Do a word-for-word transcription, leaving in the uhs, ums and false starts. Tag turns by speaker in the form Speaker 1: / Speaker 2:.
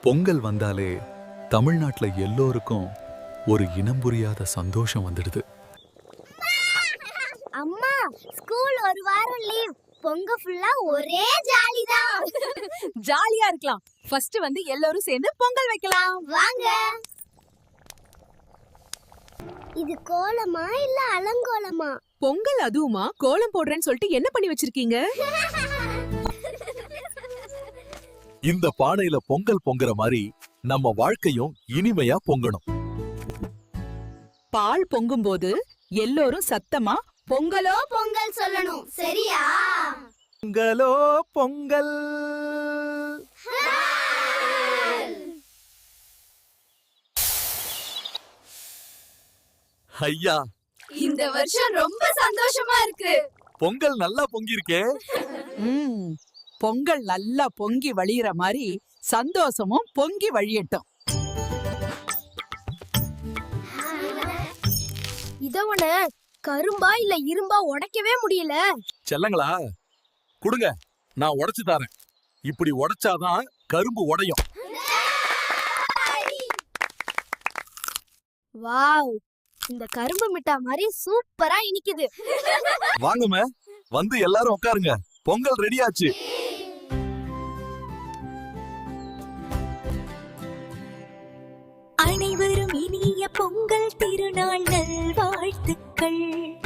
Speaker 1: பொங்கல் வந்தாலே தமிழ்நாட்டுல எல்லோருக்கும் ஒரு இனம் புரியாத சந்தோஷம் வந்துடுது.
Speaker 2: அம்மா, ஸ்கூல் ஒரு வாரம் லீவ். பொங்க ஃபுல்லா ஒரே ஜாலி தான்.
Speaker 3: ஜாலியா இருக்கலாம். ஃபர்ஸ்ட் வந்து எல்லாரும் சேர்ந்து பொங்கல் வைக்கலாம்.
Speaker 2: வாங்க. இது கோலமா இல்ல அலங்கோலமா?
Speaker 3: பொங்கல் அதுவுமா? கோலம் போடுறேன்னு சொல்லிட்டு என்ன பண்ணி வச்சிருக்கீங்க?
Speaker 4: இந்த பானையில பொங்கல் பொங்குற மாதிரி நம்ம வாழ்க்கையும் இனிமையா பொங்கணும்.
Speaker 3: பால் பொங்கும் போது எல்லோரும் சத்தமா பொங்கலோ
Speaker 2: பொங்கல் சொல்லணும், சரியா?
Speaker 4: பொங்கலோ பொங்கல். ஐயா,
Speaker 3: இந்த வருஷம் ரொம்ப சந்தோஷமா இருக்கு.
Speaker 4: பொங்கல் நல்லா பொங்கிருக்கே.
Speaker 3: ம், பொங்கல் நல்லா பொங்கி வழியிற மாதிரி சந்தோஷமும் பொங்கி வழியட்டும்.
Speaker 2: இதவன கரும்பா இல்ல இரும்பா உடைக்கவே முடியல.
Speaker 4: செல்லங்களா, குடுங்க, நான் உடைச்சு தரேன். இப்படி உடைச்சாதான் கரும்பு உடையும்.
Speaker 2: வாவ், இந்த கரும்பு மிட்டா மாதிரி சூப்பரா இனிக்குது.
Speaker 4: வாங்கம்மா, வந்து எல்லாரும் உட்காருங்க. பொங்கல் ரெடியாச்சு.
Speaker 5: அனைவரும் இனிய பொங்கல் திருநாள் நல்வாழ்த்துக்கள்.